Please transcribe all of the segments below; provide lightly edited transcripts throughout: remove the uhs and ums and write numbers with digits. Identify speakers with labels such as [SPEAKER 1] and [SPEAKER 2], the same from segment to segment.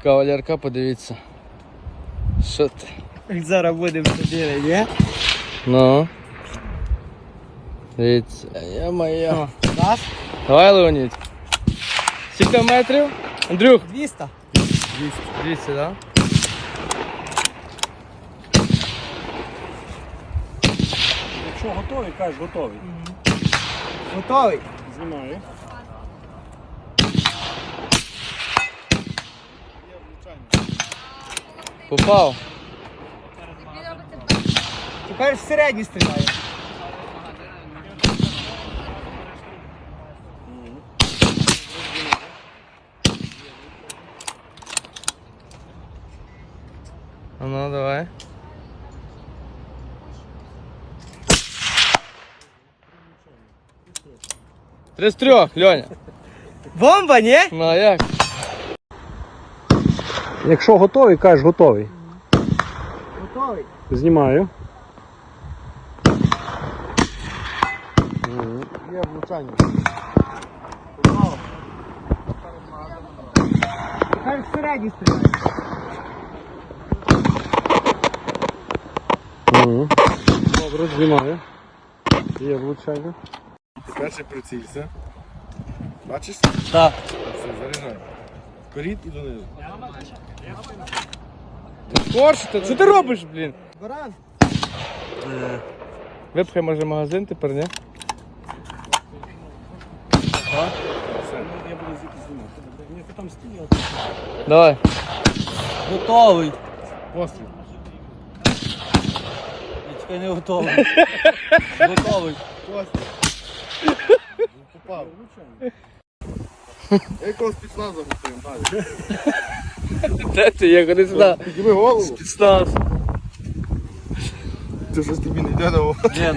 [SPEAKER 1] Кавалерка, подивіться. Що ти?
[SPEAKER 2] Зараз будемо ходити, ні?
[SPEAKER 1] Ну. Дивіться, я-моя.
[SPEAKER 2] Раз.
[SPEAKER 1] Давай, Леонід. Скільки метрів? Андрюх.
[SPEAKER 2] 200.
[SPEAKER 1] 200, так?
[SPEAKER 3] Якщо готовий, кажеш готовий.
[SPEAKER 2] Готовий.
[SPEAKER 3] Знімаю.
[SPEAKER 1] Попав.
[SPEAKER 2] Тепер всередині стріляє.
[SPEAKER 1] А ну, давай. 3 з 3, Льоня.
[SPEAKER 2] Бомба, ні?
[SPEAKER 1] Ну а як?
[SPEAKER 3] Якщо готовий, кажеш готовий.
[SPEAKER 2] Готовий.
[SPEAKER 3] Знімаю.
[SPEAKER 1] Є влучання.
[SPEAKER 2] Тепер всередині стріляє.
[SPEAKER 3] Добре, знімаю. Є влучання.
[SPEAKER 4] Перший прицілься. Бачиш?
[SPEAKER 1] Так.
[SPEAKER 4] Все, заряджай. Вперед і донизу.
[SPEAKER 1] Скорше, що ти робиш, блін?
[SPEAKER 2] Баран.
[SPEAKER 1] Випхай, може, магазин тепер, ні?
[SPEAKER 4] Все.
[SPEAKER 3] Я буду звідти знімати. Ні, ти там стій,
[SPEAKER 1] Давай.
[SPEAKER 2] Готовий.
[SPEAKER 4] Постріл.
[SPEAKER 2] Я чекай, не готовий. Готовий.
[SPEAKER 4] Постріл. Попав. Я якого спецназу готуємо, далі.
[SPEAKER 1] Де ти є? Ходи сюди.
[SPEAKER 4] Підніми голову.
[SPEAKER 1] Спецназ.
[SPEAKER 4] Ти щось тобі не йде на голову.
[SPEAKER 1] Ні,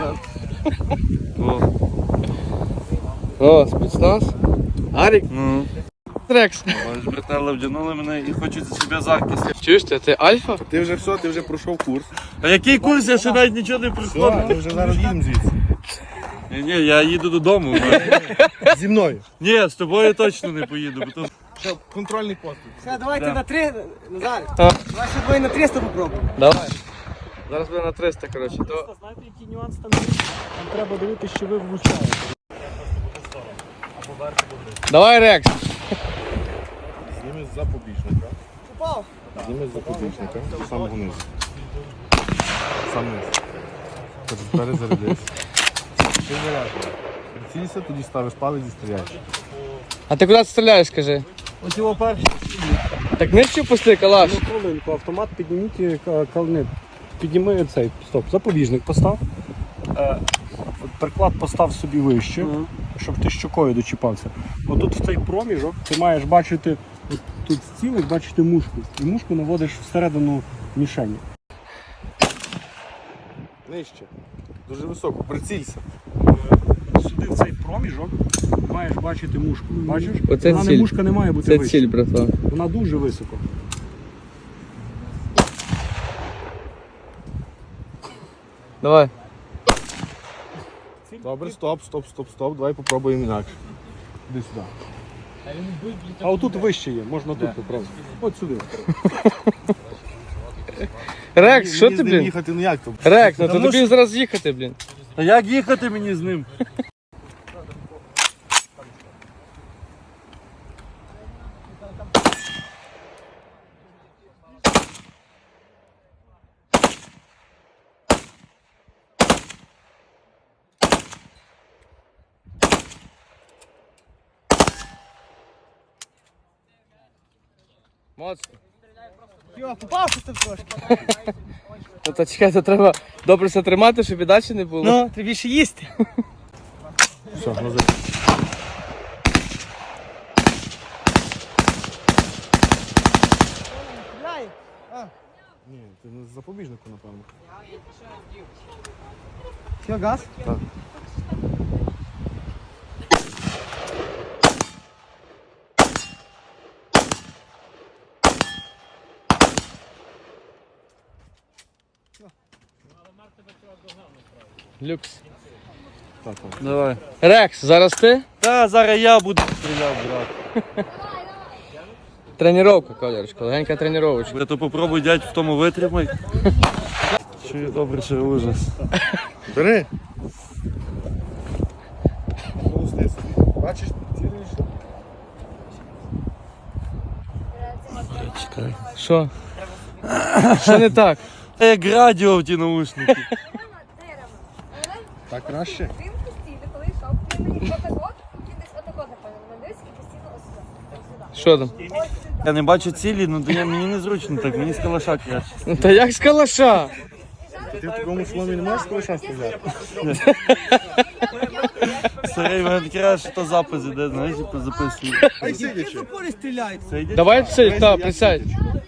[SPEAKER 1] О, спецназ. Арік?
[SPEAKER 5] Ну,
[SPEAKER 1] Рекс.
[SPEAKER 5] бачиш, братела вдягнули мене і хочуть за себе захист.
[SPEAKER 1] Чуєш ти Альфа?
[SPEAKER 4] Ти вже все, ти вже пройшов курс.
[SPEAKER 5] А який курс? Я ще навіть нічого не
[SPEAKER 4] Все,
[SPEAKER 5] проходив.
[SPEAKER 4] ми вже зараз їдемо звідси.
[SPEAKER 5] Ні, я їду додому.
[SPEAKER 4] Зі мною.
[SPEAKER 5] Ні, з тобою точно не поїду, бо то
[SPEAKER 4] Що, контрольний постріл.
[SPEAKER 2] Все, давайте
[SPEAKER 5] Да.
[SPEAKER 2] на 3, Назар.
[SPEAKER 1] А.
[SPEAKER 2] Давай ще двоє на 300 попробуємо.
[SPEAKER 1] Давай. Зараз буде на 300, коротше. То...
[SPEAKER 3] Знаєте, який нюанс там є? Там треба дивитися, що ви влучаєте.
[SPEAKER 1] Давай, Рекс.
[SPEAKER 4] Зніми з запобіжника.
[SPEAKER 2] Попав.
[SPEAKER 4] Зніми з запобіжника. З самого низу. Сам низ. Перезарядись. Ти заряджаєш. Прицілься, тоді ставиш палець і стріляєш.
[SPEAKER 1] А ти куди стріляєш, скажи?
[SPEAKER 3] Ось його перший.
[SPEAKER 1] Так нижче пусти, калаш.
[SPEAKER 3] Хвилинку, автомат підніміть, підніми цей, стоп, запобіжник постав. Приклад постав собі вище, щоб ти щокою дочіпався. Отут в цей проміжок ти маєш бачити, от тут цілих бачити мушку. І мушку наводиш всередину мішені.
[SPEAKER 4] Нижче. Дуже високо. Прицілься.
[SPEAKER 3] Сюди в цей проміжок маєш бачити мушку. Бачиш?
[SPEAKER 1] Оце
[SPEAKER 3] Вона
[SPEAKER 1] ціль.
[SPEAKER 3] не мушка не має бути
[SPEAKER 1] Це
[SPEAKER 3] вище.
[SPEAKER 1] ціль, братва.
[SPEAKER 3] Вона дуже високо.
[SPEAKER 1] Давай.
[SPEAKER 4] Добре, стоп. Давай попробуємо інакше. Іди сюди.
[SPEAKER 3] А отут вище є, можна тут попробувати. От сюди.
[SPEAKER 1] Рекс, що
[SPEAKER 4] Мені
[SPEAKER 1] ти,
[SPEAKER 4] з ним
[SPEAKER 1] блін?
[SPEAKER 4] їхати ніяк. То.
[SPEAKER 1] Рекс, ну то тобі зараз їхати, блін.
[SPEAKER 5] А як їхати мені з ним?
[SPEAKER 1] Моцно.
[SPEAKER 2] Йо, попав щось там трошки.
[SPEAKER 1] Ну то чекай, то треба добре все тримати, щоб і далі не було.
[SPEAKER 2] Ну, треба більше їсти.
[SPEAKER 4] Все, назад.
[SPEAKER 2] Стріляє.
[SPEAKER 4] Ні, ти не з запобіжнику, напевно.
[SPEAKER 2] Все, газ?
[SPEAKER 4] Так.
[SPEAKER 1] Люкс.
[SPEAKER 4] Так.
[SPEAKER 5] Давай.
[SPEAKER 1] Рекс, зараз ти?
[SPEAKER 5] Та зараз я буду стріляти, брат.
[SPEAKER 1] Тренировка, Колярочка, легенька тренировочка.
[SPEAKER 5] То попробуй, дядь, в тому витримай. Чи добре, чи ужас.
[SPEAKER 4] Бери. Бачиш, ціліше.
[SPEAKER 5] Чекай.
[SPEAKER 1] Що? Що не так?
[SPEAKER 5] Як радіо в ті наушники.
[SPEAKER 4] Так краще.
[SPEAKER 6] Він постійно, коли йшов, він мені отако, він десь отако, напевно, надивився і постійно ось сюди.
[SPEAKER 1] Що там?
[SPEAKER 5] Я не бачу цілі, ну то мені незручно так, мені з калаша краще.
[SPEAKER 1] Ну та як з калаша?
[SPEAKER 4] Ти в такому сломі не можеш колиша стріляти?
[SPEAKER 5] Старий, мене краще, то запис іде, знаєш, записую.
[SPEAKER 4] Ай, сидячи.
[SPEAKER 2] Запорі стріляють.
[SPEAKER 1] Давай сидь, та, присядь.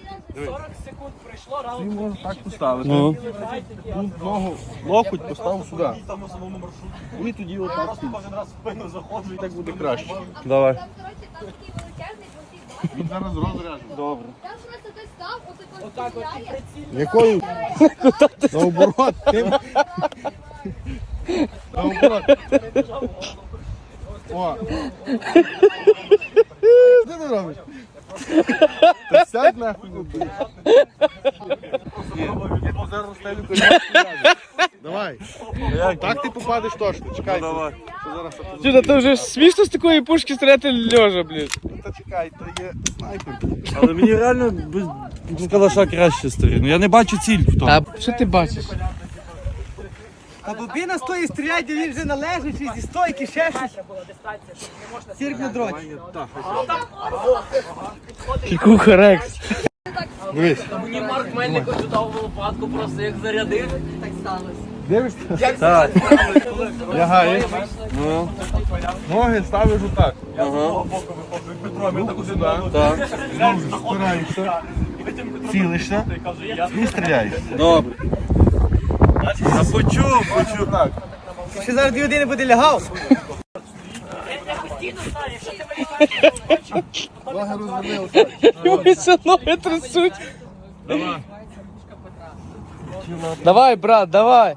[SPEAKER 4] Ти можеш так поставити.
[SPEAKER 5] Ну.
[SPEAKER 4] Тут ногу, локоть поставив сюди. І тоді отак стоїть. І так буде краще.
[SPEAKER 5] Давай.
[SPEAKER 6] Там, коротше, там такий величезний жовтий дом.
[SPEAKER 4] Він зараз розряжений.
[SPEAKER 5] Добре.
[SPEAKER 6] Там просто той став, отако стріляє.
[SPEAKER 4] Якою? Наоборот. Наоборот. О. Що ти робиш? Та сядь нахуй. Я тут зараз розстелю коліна. Давай. Так ти попадеш точно. Чекай.
[SPEAKER 5] Давай.
[SPEAKER 4] Що зараз я тут-
[SPEAKER 1] Чудо, ти вже смішно з такої пушки стріляти льожа, блін.
[SPEAKER 4] Та чекай, то є снайпер.
[SPEAKER 5] Але мені реально з калаша краще старий. Ну я не бачу ціль в тому.
[SPEAKER 1] А що ти бачиш?
[SPEAKER 2] А бобіна стоїть стріляє, де він вже належить, чи зі стойки, ще щось. Цирк на дроті.
[SPEAKER 1] Кікуха Рекс.
[SPEAKER 4] Дивись.
[SPEAKER 7] Мені Марк Мельнико чудав в лопатку, просто як зарядив, так сталося.
[SPEAKER 4] Дивишся?
[SPEAKER 5] Так.
[SPEAKER 4] Лягаєш.
[SPEAKER 5] Ну.
[SPEAKER 4] Ноги ставиш отак.
[SPEAKER 5] Ага.
[SPEAKER 4] Руку сюди.
[SPEAKER 5] Так.
[SPEAKER 4] Знову ж спираєшся. Цілишся. І стріляєш.
[SPEAKER 5] Добре. Я почув.
[SPEAKER 4] Так.
[SPEAKER 2] Ще зараз 2 години буде лягав.
[SPEAKER 4] Ноги розвернилися.
[SPEAKER 1] Ось ноги трясуть. Давай, брат, давай.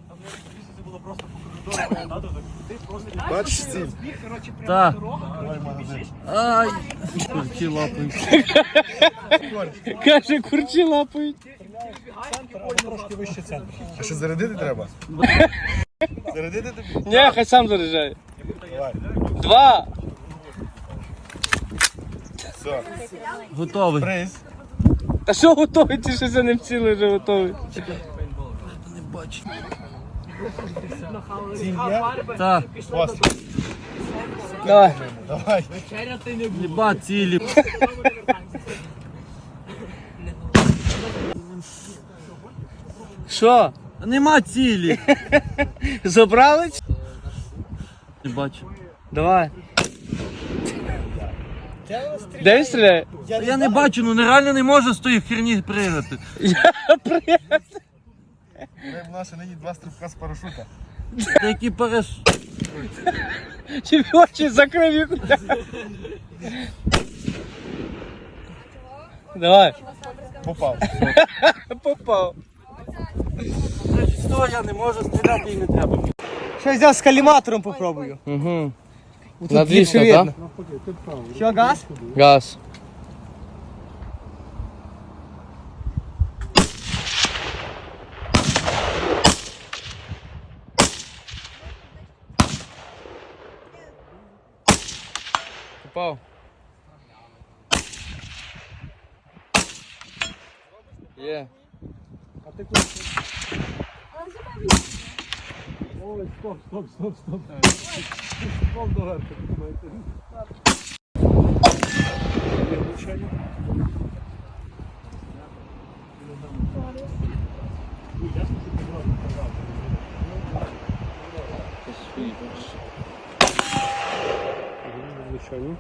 [SPEAKER 4] Бачиш ціль?
[SPEAKER 5] Так. Ай. Курки лапають.
[SPEAKER 1] Каже, курчі лапають.
[SPEAKER 4] А що зарядити треба? Зарядити тобі?
[SPEAKER 1] Ні, хай сам заряджає.
[SPEAKER 4] Давай.
[SPEAKER 1] 2.
[SPEAKER 4] Все.
[SPEAKER 5] Готовий.
[SPEAKER 4] Приз.
[SPEAKER 1] Та що готовий? Ти ще за ним цілий вже готовий.
[SPEAKER 5] Не бачу.
[SPEAKER 4] Ціль є?
[SPEAKER 5] Так.
[SPEAKER 4] Постріл.
[SPEAKER 1] Давай.
[SPEAKER 4] Давай.
[SPEAKER 5] Єба цілі.
[SPEAKER 1] Що?
[SPEAKER 5] Нема цілі.
[SPEAKER 1] Забрали?
[SPEAKER 5] Не бачу.
[SPEAKER 1] Давай. Де він стріляє?
[SPEAKER 5] Я не бачу, ну нереально не можу з тої херні пригати.
[SPEAKER 4] Ми в нас нині 2 стрибка з парашута.
[SPEAKER 5] Які параш...
[SPEAKER 1] Чи очі закрив їх? Давай.
[SPEAKER 4] Попав.
[SPEAKER 1] Попав.
[SPEAKER 5] Що я не можу стріляти і не треба.
[SPEAKER 2] Що взяв з каліматором попробую.
[SPEAKER 1] Угу.
[SPEAKER 2] Тут
[SPEAKER 1] На
[SPEAKER 2] більше
[SPEAKER 1] 200, так?
[SPEAKER 2] видно. Що, газ?
[SPEAKER 1] Газ. Попав. Є.
[SPEAKER 3] Ой, стоп. Стоп доверху. Є влучання. Влучання.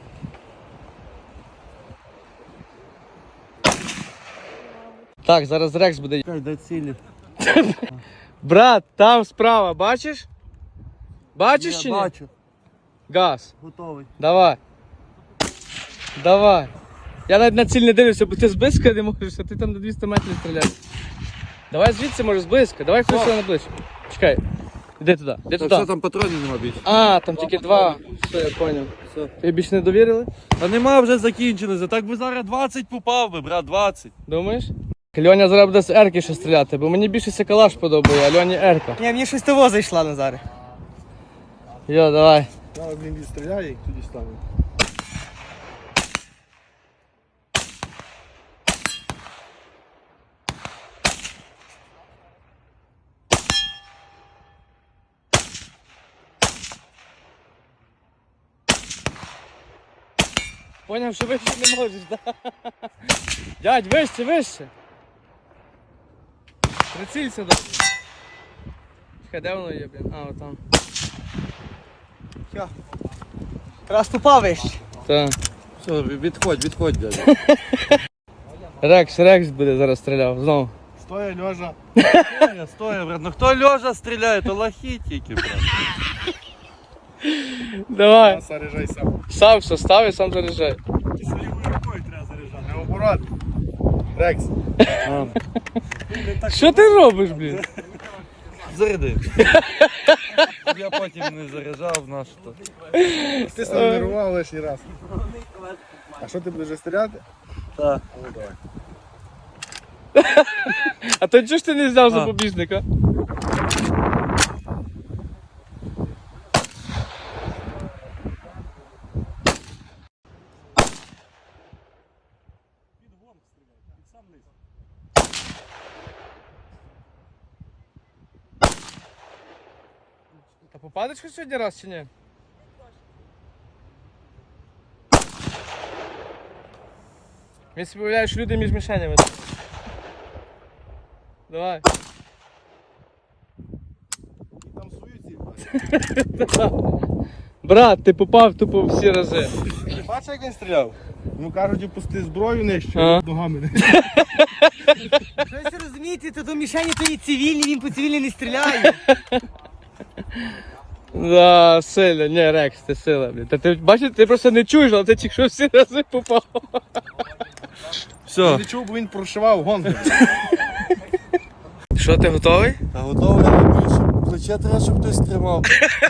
[SPEAKER 1] Так, зараз Рекс буде.
[SPEAKER 5] Чекай, дай цілі.
[SPEAKER 1] Брат, там справа, бачиш? Бачиш чи
[SPEAKER 5] Я
[SPEAKER 1] ні?
[SPEAKER 5] бачу.
[SPEAKER 1] Газ.
[SPEAKER 5] Готовий.
[SPEAKER 1] Давай. Давай. Я навіть на ціль не дивлюся, бо ти зблизька не можеш, а ти там на 200 метрів стріляєш. Давай звідси, може, зблизька. Давай хтось на ближче. Чекай. Іди туди, іди
[SPEAKER 5] Та
[SPEAKER 1] туди.
[SPEAKER 5] все, там патронів нема більше.
[SPEAKER 1] А, там тільки 2. Все, я поняв.
[SPEAKER 5] Все.
[SPEAKER 1] Ти більше не довірили?
[SPEAKER 5] Та нема, вже закінчилися. Так би зараз 20 попав би, брат, 20.
[SPEAKER 1] Думаєш? Льоня зараз буде з Ерки ще стріляти, бо мені більше Калаш подобає, а Льоні Ерка.
[SPEAKER 2] Ні, мені щось того зайшла Назаре.
[SPEAKER 1] Йо, давай.
[SPEAKER 4] Зараз він відстріляє і тоді стане.
[SPEAKER 1] Поняв, що вище не можеш, да? Дядь, вище, вище. Прицілься, да. Чекай, де воно є, блін? А, отам.
[SPEAKER 2] Раз попав вище.
[SPEAKER 1] Так.
[SPEAKER 5] Все, відходь, дядя.
[SPEAKER 1] Рекс буде зараз стріляв, знову.
[SPEAKER 4] Стоя, льожа.
[SPEAKER 5] Стоя, брат. Ну хто льожа стріляє, то лохи тільки, брат.
[SPEAKER 1] Давай.
[SPEAKER 4] Заряджай сам.
[SPEAKER 1] Сам все став і сам заряджай.
[SPEAKER 4] Наоборот. Рекс.
[SPEAKER 1] Що ти робиш, блін?
[SPEAKER 5] Заряди. Я потім не заряджав наш то.
[SPEAKER 4] Ти себе нервував лишній раз. А що ти будеш вже стріляти?
[SPEAKER 5] Так.
[SPEAKER 4] Ну давай.
[SPEAKER 1] А то чого ж ти не взяв запобіжника? Та попадеш хоч сьогодні раз чи ні? Мені собі уявляю, що люди між мішенями. Давай.
[SPEAKER 4] Там свою ціль.
[SPEAKER 1] Брат, ти попав тупо всі рази.
[SPEAKER 4] Бачиш, як він стріляв? Ну кажуть, опусти зброю нижче,
[SPEAKER 1] Ага.
[SPEAKER 4] ногами не.
[SPEAKER 2] Щось розумієте, то до мішені то і цивільні, він по цивільні не стріляє.
[SPEAKER 1] Да, сильно, не, Рекс, ти сила, блін. Та ти бачиш, ти просто не чуєш, але ти тільки що всі рази попав.
[SPEAKER 5] Все.
[SPEAKER 4] Не чув, бо він прошивав гонку.
[SPEAKER 1] Що, ти готовий?
[SPEAKER 5] Та готовий, але більше плече треба, щоб хтось тримав.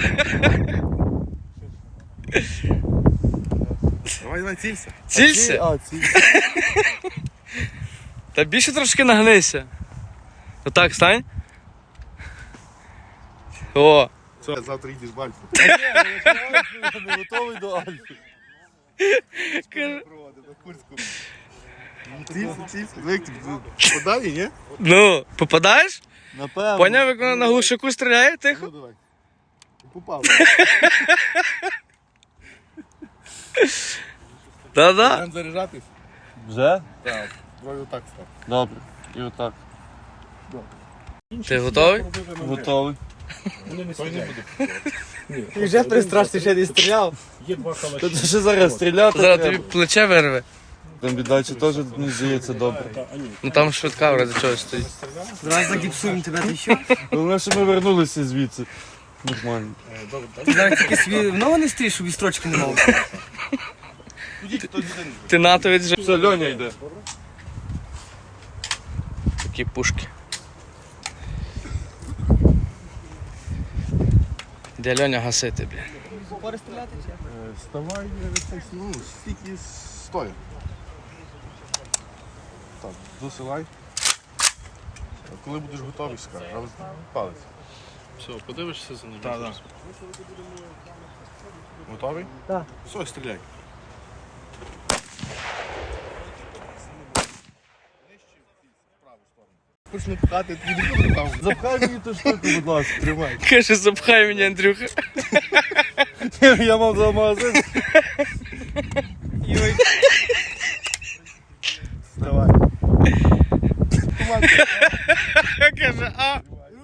[SPEAKER 4] Давай націлься.
[SPEAKER 1] Цілься?
[SPEAKER 5] А, ці.
[SPEAKER 1] Та більше трошки нагнися. Отак, стань. О.
[SPEAKER 4] Все, завтра їдеш в Альфу.
[SPEAKER 5] Я не готовий до Альфи.
[SPEAKER 4] Проводити на Курську. Цілься. Як тобі? Подалі, ні?
[SPEAKER 1] Ну, попадаєш?
[SPEAKER 5] Напевно.
[SPEAKER 1] Поняв, як вона на глушаку стріляє,
[SPEAKER 4] Ну
[SPEAKER 1] тихо?
[SPEAKER 4] давай. Попав.
[SPEAKER 1] Да-да.
[SPEAKER 4] Будемо заряджатись?
[SPEAKER 5] Вже?
[SPEAKER 4] Так. Двоє отак став.
[SPEAKER 5] Добре. І отак.
[SPEAKER 1] Ти готовий?
[SPEAKER 5] Готовий.
[SPEAKER 2] Ти вже пристрашся, ще не стріляв.
[SPEAKER 5] Та це ще зараз стріляти
[SPEAKER 1] Зараз
[SPEAKER 5] треба.
[SPEAKER 1] тобі плече вирве.
[SPEAKER 5] Там віддача теж, мені здається, добре.
[SPEAKER 1] Ну там швидка вроде чогось стоїть.
[SPEAKER 2] Зараз загіпсуємо тебе, ти що?
[SPEAKER 5] Головне, що ми вернулися звідси. Нормально.
[SPEAKER 2] Ти зараз тільки собі в ногу не стрієш, щоб і строчки не мав.
[SPEAKER 1] Ти натовець вже.
[SPEAKER 5] Все, Льоня йде.
[SPEAKER 1] Такі пушки. Де Льоня гасити, блін.
[SPEAKER 2] Пори стріляти чи?
[SPEAKER 4] Вставай, ну, стільки стоя. Так, досилай. Коли будеш готовий, скажеш, але палець.
[SPEAKER 3] Все, подивишся за ним.
[SPEAKER 4] Так, так. Готовий?
[SPEAKER 2] Так.
[SPEAKER 4] Все, стріляй. Почну пхати, тоді не буде там.
[SPEAKER 5] Запхай мені ту штуку, будь ласка, тримай.
[SPEAKER 1] Каже, запхай мене, Андрюха.
[SPEAKER 5] Я мав за магазин.
[SPEAKER 4] Давай.
[SPEAKER 1] Каже, а.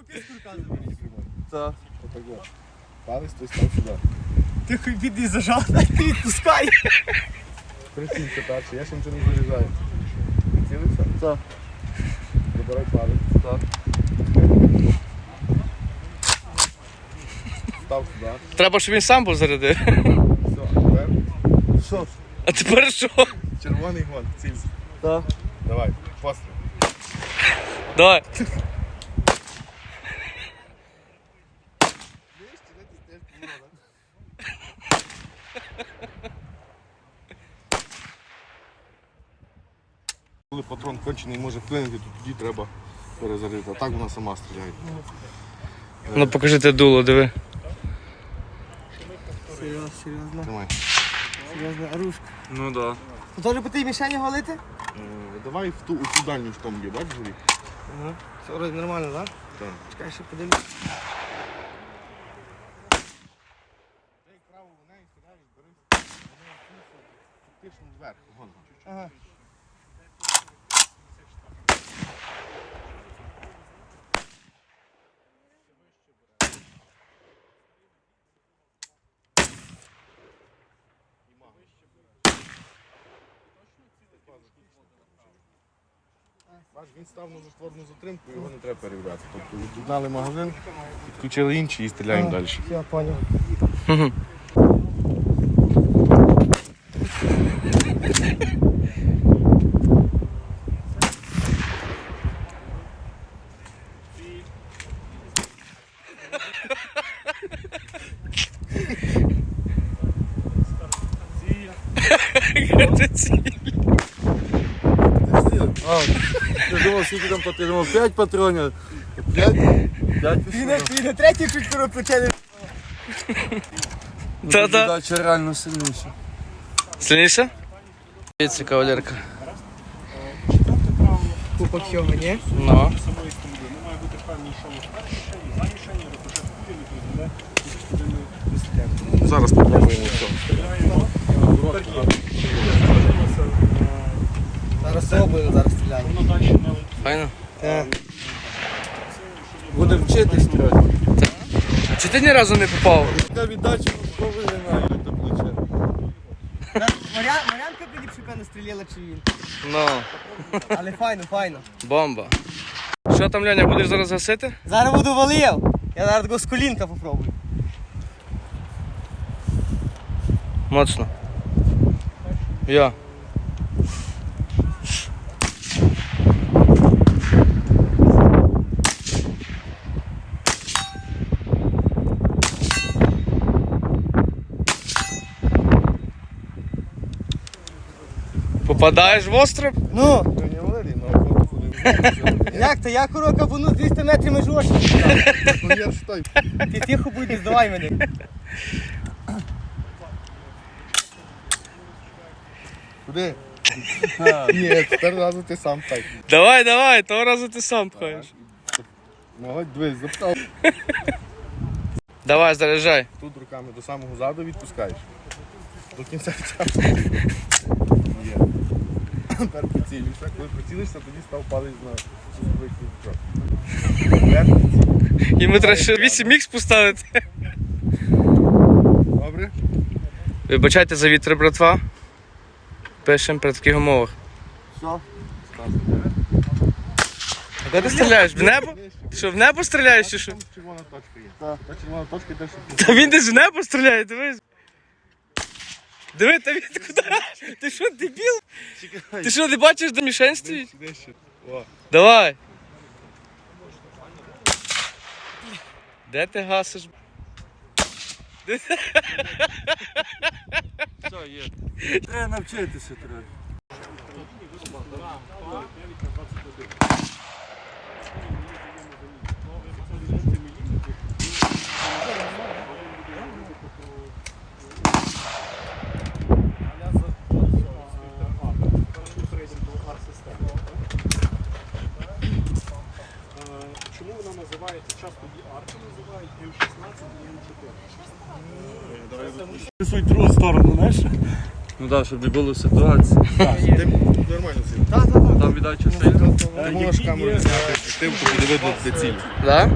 [SPEAKER 5] Так.
[SPEAKER 4] Отак от. Палець, той став сюди.
[SPEAKER 2] Ти хуй піди зажав, а ти відпускай.
[SPEAKER 4] Прицілься перше, я ще нічого не заряджаю. Цілився?
[SPEAKER 5] Так.
[SPEAKER 4] Забирай палець.
[SPEAKER 5] Так.
[SPEAKER 4] Став сюди.
[SPEAKER 1] Треба, щоб він сам був зарядив.
[SPEAKER 4] Все, а тепер
[SPEAKER 5] Що?
[SPEAKER 1] А тепер що?
[SPEAKER 4] червоний гон, цілься.
[SPEAKER 5] Так.
[SPEAKER 4] Давай, постріл.
[SPEAKER 1] Давай.
[SPEAKER 4] Коли патрон кончений може вплинути, то тоді треба перезарядити. А так вона сама стріляє.
[SPEAKER 1] Ну покажи те дуло, диви.
[SPEAKER 2] Серйозно.
[SPEAKER 4] Давай.
[SPEAKER 2] Серйозно, оружка.
[SPEAKER 5] Ну да.
[SPEAKER 2] Ну теж по тій мішені голити?
[SPEAKER 4] Давай в ту дальню штомбі, бачиш, горі?
[SPEAKER 2] Ага. Все вроде нормально, так?
[SPEAKER 4] Так.
[SPEAKER 2] Чекай, ще подивлюсь.
[SPEAKER 4] Фактично зверху, вон.
[SPEAKER 2] Ага.
[SPEAKER 4] Бач, він став на затворну затримку, його не треба перевіряти. Тобто від'єднали магазин, підключили інший і стріляємо далі.
[SPEAKER 2] Я понял.
[SPEAKER 5] Я думав, скільки там патронів? 5 патронів. 5
[SPEAKER 2] Ти на третій чуть плече.
[SPEAKER 1] Та-та.
[SPEAKER 5] Дача реально сильніша.
[SPEAKER 1] Сильніше? Дивіться, кавалерка.
[SPEAKER 2] Купа всього, ні?
[SPEAKER 1] Ну.
[SPEAKER 3] Самої сторони. Не має бути певний, що перший шані, задній шані, рикошет купили, призведе до частини вистріляння.
[SPEAKER 4] Зараз спробуємо все.
[SPEAKER 2] Зараз спробуємо, зараз стріляємо.
[SPEAKER 3] Воно далі не летить.
[SPEAKER 1] Файно.
[SPEAKER 2] Так.
[SPEAKER 5] Буде вчитись стріляти.
[SPEAKER 1] Чи ти ні разу не попав?
[SPEAKER 5] Така віддача повинна до плече.
[SPEAKER 2] Марянка Пиліпчука не стріляла чи він.
[SPEAKER 1] Ну,
[SPEAKER 2] Але файно, файно.
[SPEAKER 1] бомба. Що там, Льоня, будеш зараз гасити?
[SPEAKER 2] Зараз буду валив. Я зараз такого з колінка попробую.
[SPEAKER 1] Моцно. Я. Попадаєш в остров?
[SPEAKER 2] Ну,
[SPEAKER 4] Не Валерій, на охоту ходив.
[SPEAKER 2] як то? Я курока буну 200 метрів меж очі.
[SPEAKER 4] Я ж той.
[SPEAKER 2] Ти тихо будь, не здавай мене.
[SPEAKER 4] Куди? Ні, тепер разу ти сам так.
[SPEAKER 1] Давай, давай, того разу ти сам пхаєш.
[SPEAKER 4] Молодь, дивись, запитав.
[SPEAKER 1] Давай, заряджай.
[SPEAKER 4] Тут руками до самого заду відпускаєш. До кінця часу. Є. Тепер прицілюєшся. Коли прицілишся, тоді став палець на часовий крючок. Тепер прицілюєшся.
[SPEAKER 1] Йому треба ще 8х поставити.
[SPEAKER 4] Добре?
[SPEAKER 1] Вибачайте за вітер, братва. Пишемо при таких умовах.
[SPEAKER 2] Все.
[SPEAKER 1] А куди ти стріляєш? В небо? Ти що, в небо стріляєш чи що?
[SPEAKER 4] Там червона точка є. Та червона точка йде, щоб
[SPEAKER 1] Та він десь в небо стріляє, дивись. Диви, та він куди? Ти що, дебіл? Ти що, не бачиш, де мішень стоїть?
[SPEAKER 4] нижче. О.
[SPEAKER 1] Давай. Де ти гасиш?
[SPEAKER 5] Все, є. Треба навчитися треба.
[SPEAKER 3] Чому вона називається, часто її арки називають М16 і М4? Ти свою другу сторону, знаєш?
[SPEAKER 5] Ну так, щоб не було ситуації.
[SPEAKER 4] Ти нормально сидиш.
[SPEAKER 5] Там віддача сильна.
[SPEAKER 4] Ти можеш камеру зняти штивку, буде видно, де ціль.
[SPEAKER 1] Да?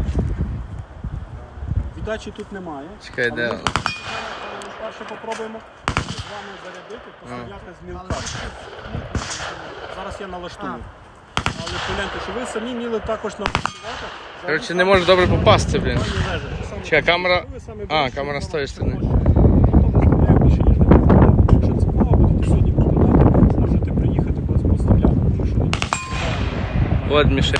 [SPEAKER 3] Віддачі тут немає.
[SPEAKER 1] Чекай, де?
[SPEAKER 3] Але ми перше попробуємо з вами зарядити, постріляти з мілка. Зараз я налаштую. Але погляньте, що ви самі міли також налаштувати.
[SPEAKER 1] Коротше, не можу добре попасти, блін.
[SPEAKER 3] Саме
[SPEAKER 1] Чекай, камера...
[SPEAKER 3] ви самі
[SPEAKER 1] А,
[SPEAKER 3] будете
[SPEAKER 1] камера з тої
[SPEAKER 3] налаштовувати.
[SPEAKER 1] сторони.
[SPEAKER 3] Хто не стріляє більше, ніж не потрібно. Якщо цікаво, будете сьогодні попадати, можете приїхати когось постріляти, тому що
[SPEAKER 1] От мішень.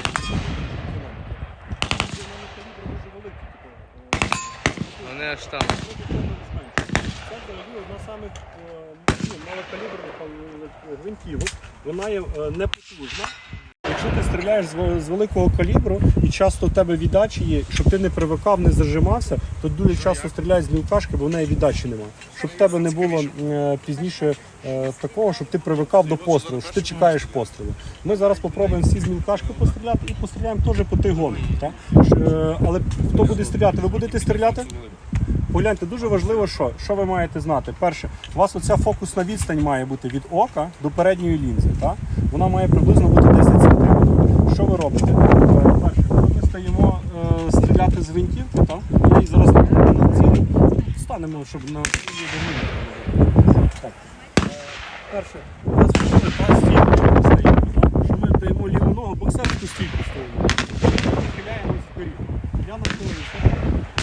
[SPEAKER 1] Вони аж там.
[SPEAKER 3] це взагалі одна з самих малокаліберних гвинтівок. вона є непотужна. Якщо ти стріляєш з великого калібру і часто в тебе віддачі є, щоб ти не привикав, не зажимався, то дуже часто стріляють з мілкашки, бо в неї віддачі немає. Щоб в тебе не було пізніше такого, щоб ти привикав до пострілу, що ти чекаєш пострілу. Ми зараз спробуємо всі з мілкашки постріляти і постріляємо теж по тигону. Але хто буде стріляти? Ви будете стріляти? Погляньте, дуже важливо, що ви маєте знати. Перше, у вас оця фокусна відстань має бути від ока до передньої лінзи. Так? Вона має приблизно бути 10 см. Що ви робите? Перше, коли ми стаємо стріляти з гвинтівки, так? Я її зараз на цілу станемо, щоб на так. Перше, у нас виходить та стійка стоїть, що ми даємо ліву ногу, боксерську стійку стоїмо. Нахиляємось вперед. Я нахиляюся.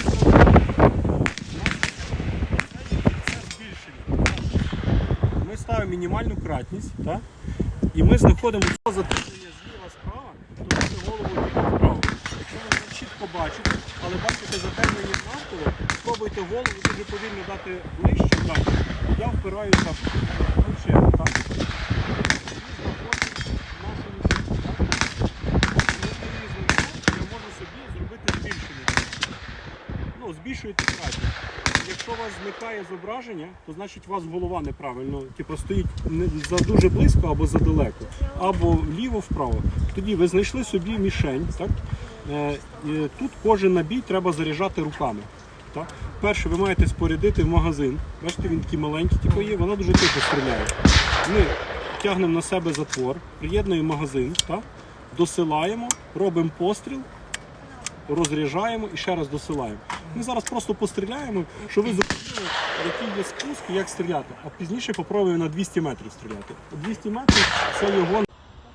[SPEAKER 3] Ми ставимо мінімальну кратність, так? І ми знаходимо затиснення зліва справа, то нашу голову вліво-вправо. Якщо ви не чітко бачите, але бачите затемнення навколо, спробуйте голову дуже повільно дати ближче, так? Я впираюся плечем, так? І знаходжу нашу мішку, так? Я можу собі зробити збільшення. Ну, збільшуєте кратність. Якщо у вас зникає зображення, то значить у вас голова неправильно, типу стоїть за дуже близько або задалеко, або вліво-вправо. Тоді ви знайшли собі мішень. Так? І тут кожен набій треба заряджати руками. Так? Перше, ви маєте спорядити в магазин. Бачите, він такий маленький типу є, вона дуже тихо стріляє. Ми тягнемо на себе затвор, приєднуємо магазин, так? Досилаємо, робимо постріл, розряджаємо і ще раз досилаємо. Ми зараз просто постріляємо, щоб ви зрозуміли, який є спуск і як стріляти. А пізніше попробуємо на 200 метрів стріляти. 200 метрів це його...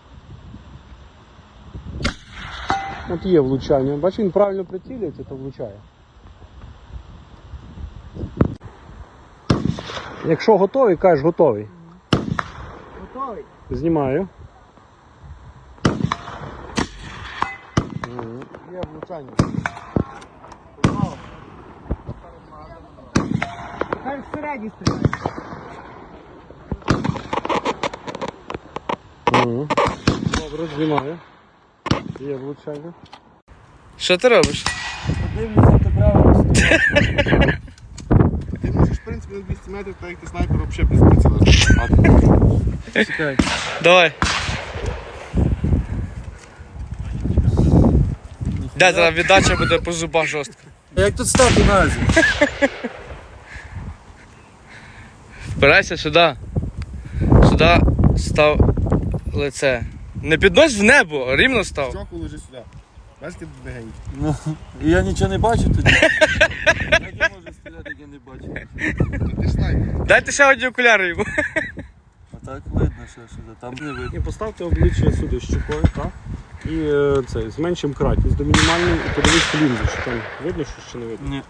[SPEAKER 3] От є влучання. Бачите, він правильно прицілюється, то влучає. Якщо готовий, кажеш готовий.
[SPEAKER 2] Готовий?
[SPEAKER 3] Знімаю.
[SPEAKER 4] Є влучання.
[SPEAKER 2] Хай всередині стріляє.
[SPEAKER 3] Добре, знімаю. Є влучання.
[SPEAKER 1] Що ти робиш?
[SPEAKER 2] Дивлюся, то право.
[SPEAKER 4] Ти можеш, в принципі, на 200 метрів, так як ти снайпер, взагалі без приціла.
[SPEAKER 5] Чекай.
[SPEAKER 1] Давай. Де зараз віддача буде по зубах жорстко.
[SPEAKER 5] Як тут стати на зі?
[SPEAKER 1] Впирайся сюди. Сюди став лице. Не піднось в небо, а рівно став.
[SPEAKER 4] Чоку лежи сюди. Бачите, легенький.
[SPEAKER 5] Ну, і я нічого не бачу тоді. Як я можу стріляти, як я не бачу?
[SPEAKER 4] Ти ж снайпер.
[SPEAKER 1] Дайте ще одні окуляри йому.
[SPEAKER 5] А так видно, що сюди, там не видно.
[SPEAKER 3] І поставте обличчя сюди щукою, так? І зменшимо кратність до мінімальної і подивись лінзу, що там видно, що ще не видно.
[SPEAKER 5] Ні.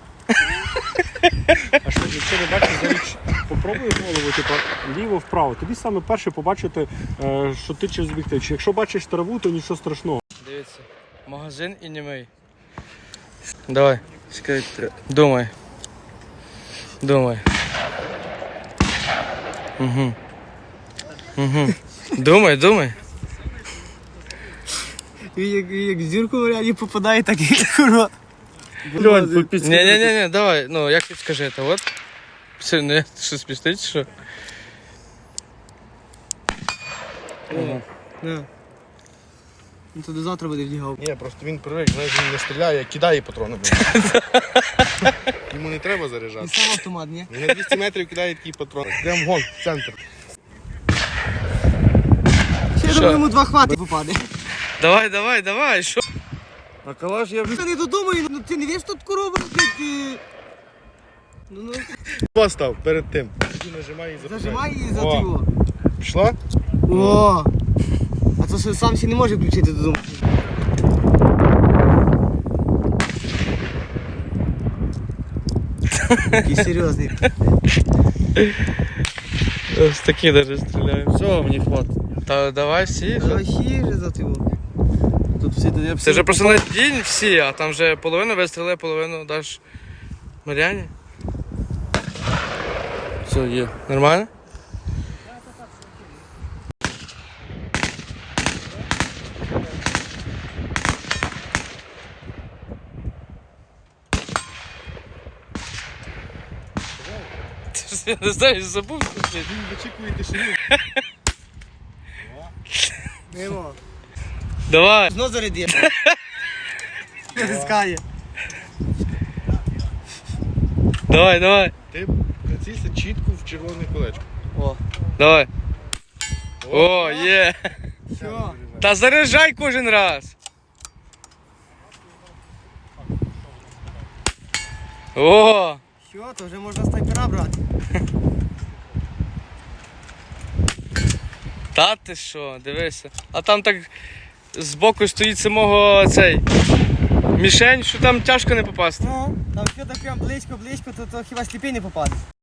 [SPEAKER 3] А що, якщо не бачиш, заріч, попробуй голову, типу, ліво-вправо. Тоді саме перше побачити, що ти через об'єктив. Якщо бачиш траву, то нічого страшного.
[SPEAKER 1] Дивіться, магазин і німий. Давай,
[SPEAKER 5] Чекай,
[SPEAKER 1] думай. Думай. Угу. Угу. Думай.
[SPEAKER 2] Він як зірку в ряді попадає, так і курва.
[SPEAKER 5] Льонь,
[SPEAKER 1] Ні, давай, ну як підскажете, от. Все, не, що спістить, що?
[SPEAKER 2] Ну то до завтра буде вдягав.
[SPEAKER 4] Ні, просто він привик, знаєш, він не стріляє, кидає патрони. Йому не треба
[SPEAKER 2] І
[SPEAKER 4] заряджати.
[SPEAKER 2] сам автомат, ні?
[SPEAKER 4] Він на 200 метрів кидає такий патрон. Прям вон, в центр.
[SPEAKER 2] Ще я думаю, йому 2 хвати попаде.
[SPEAKER 1] Давай, що?
[SPEAKER 5] А калаш я
[SPEAKER 2] Я не додумаю, ну ти не віж тут корову, блядь. Ну,
[SPEAKER 4] Постав перед тим. Тоді нажимай і запускай.
[SPEAKER 2] зажимай її за
[SPEAKER 4] О.
[SPEAKER 2] тього.
[SPEAKER 4] Пішла?
[SPEAKER 2] О! А то що сам ще не може включити додому. Такий серйозний.
[SPEAKER 1] Ось такі навіть стріляємо.
[SPEAKER 5] Все, мені хватить.
[SPEAKER 1] Та давай всі.
[SPEAKER 2] Ще вже за тього.
[SPEAKER 5] Тут всі тоді
[SPEAKER 1] Це вже просто на день всі, а там вже половину вистріли, половину даш Мар'яні.
[SPEAKER 5] Все, є.
[SPEAKER 1] Нормально? Я не знаю, забув. Що
[SPEAKER 4] Він вичікує тишину.
[SPEAKER 2] Мимо.
[SPEAKER 1] Давай.
[SPEAKER 2] Знов заряди. Натискає.
[SPEAKER 1] Давай, давай.
[SPEAKER 4] Ти прицілься чітко в червоне колечко.
[SPEAKER 2] О.
[SPEAKER 1] Давай. О, є.
[SPEAKER 2] Що?
[SPEAKER 1] Та заряджай кожен раз. О,
[SPEAKER 2] Що? То вже можна снайпера брати.
[SPEAKER 1] та ти що, дивися. А там так збоку стоїть самого цей мішень, що там тяжко не попасти.
[SPEAKER 2] Ну, там що так прям близько, то хіба сліпий не попаде.